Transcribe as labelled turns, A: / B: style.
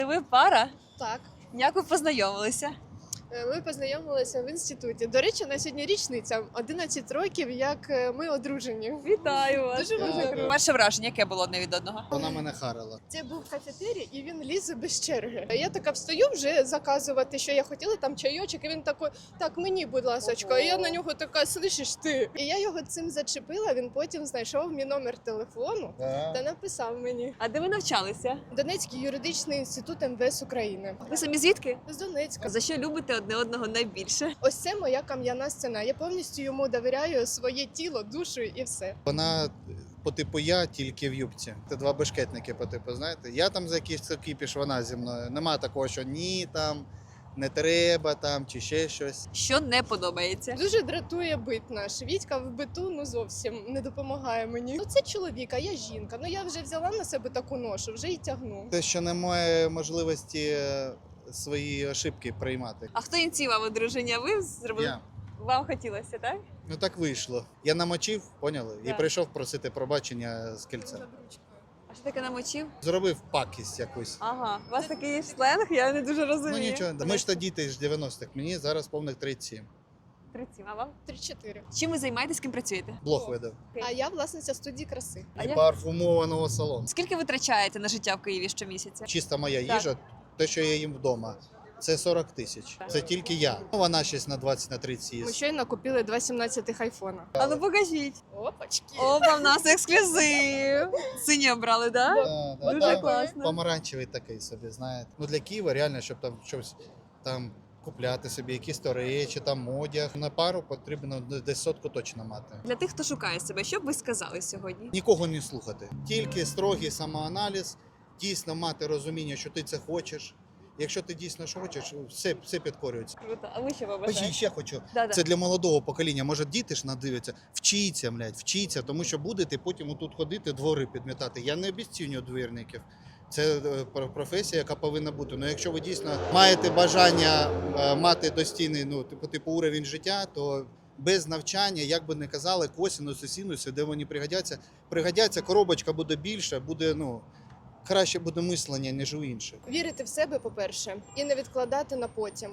A: Ви пара?
B: Так.
A: Як ви познайомилися?
B: Ми познайомилися в інституті. До речі, на сьогодні річниця 11 років, як ми одружені.
A: Вітаю вас.
B: Дуже вам дякую.
A: Перше враження, яке було одне від одного?
C: Вона мене харила.
B: Це був кафетерій, і він лізе без черги. Я така встаю вже заказувати, що я хотіла, там чайочок, і він такий, так, мені, будь ласочка. І я на нього така, слышиш ти? І я його цим зачепила, він потім знайшов мій номер телефону та написав мені.
A: А де ви навчалися?
B: Донецький юридичний інститут МВС України.
A: Ви самі звідки?
B: З Донецька.
A: За що любите одне одного найбільше?
B: Ось це моя кам'яна стіна. Я повністю йому довіряю своє тіло, душу і все.
C: Вона по типу я, тільки в юбці. Це два бешкетники по типу, знаєте. Я там за якийсь кіпіш, вона зі мною. Нема такого, що ні там, не треба там, чи ще щось.
A: Що не подобається?
B: Дуже дратує бит наш. Вітька в биту ну зовсім не допомагає мені. Ну це чоловік, а я жінка. Ну я вже взяла на себе таку ношу, вже і тягну.
C: Те, що немає можливості свої ошибки приймати.
A: А хто ініціював одруження? Ви зробили?
C: Я.
A: Вам хотілося, так?
C: Ну так вийшло. Я намочив, поняли? І
A: Так.
C: прийшов просити пробачення з кільця.
A: А що таке намочив?
C: Зробив пакість якусь.
A: Ага, у вас такий сленг, я не дуже розумію.
C: Ну нічого, ми ж то діти з 90-х, мені зараз повних 37.
A: 37, а вам?
B: 3-4.
A: Чим ви займаєтесь, ким працюєте?
C: Блог видав.
B: А я власниця студії краси.
A: А
C: І
A: як-
C: парфумованого салону.
A: Скільки ви витрачаєте на життя в Києві щомісяця?
C: Чиста моя
A: Так.
C: їжа, те, що я їм вдома, це 40 тисяч. Це тільки я. Ну, вона щось на 20-30
B: Ми
C: їсть.
B: щойно купили 2 17-х айфона.
A: А ну покажіть.
B: Опачки.
A: Опа, в нас ексклюзив. Сині обрали, так? Да?
C: Да,
A: Дуже
C: да.
A: класно.
C: Помаранчевий такий собі, знаєте. Ну для Києва реально, щоб там щось там купляти собі, якісь то речі, там одяг. На пару потрібно десь сотку точно мати.
A: Для тих, хто шукає себе, що б ви сказали сьогодні?
C: Нікого не слухати. Тільки строгий самоаналіз, дійсно мати розуміння, що ти це хочеш. Якщо ти дійсно що хочеш, все підкорюється.
A: Круто. А ви що
C: Ой,
A: побажаєте?
C: ще хочу.
A: Да-да.
C: Це для молодого покоління. Може, діти ж надивляться. Вчіться, вчіться, тому що будете потім отут ходити, двори підмітати. Я не обіцінюю двірників. Це професія, яка повинна бути. Ну, якщо ви дійсно маєте бажання мати достійний, ну, типу уровень життя, то без навчання, як би не казали, косінуси, синуси, де вони пригодяться, коробочка буде більше, буде, ну, краще буде мислення, ніж у інших.
B: Вірити в себе, по-перше, і не відкладати на потім.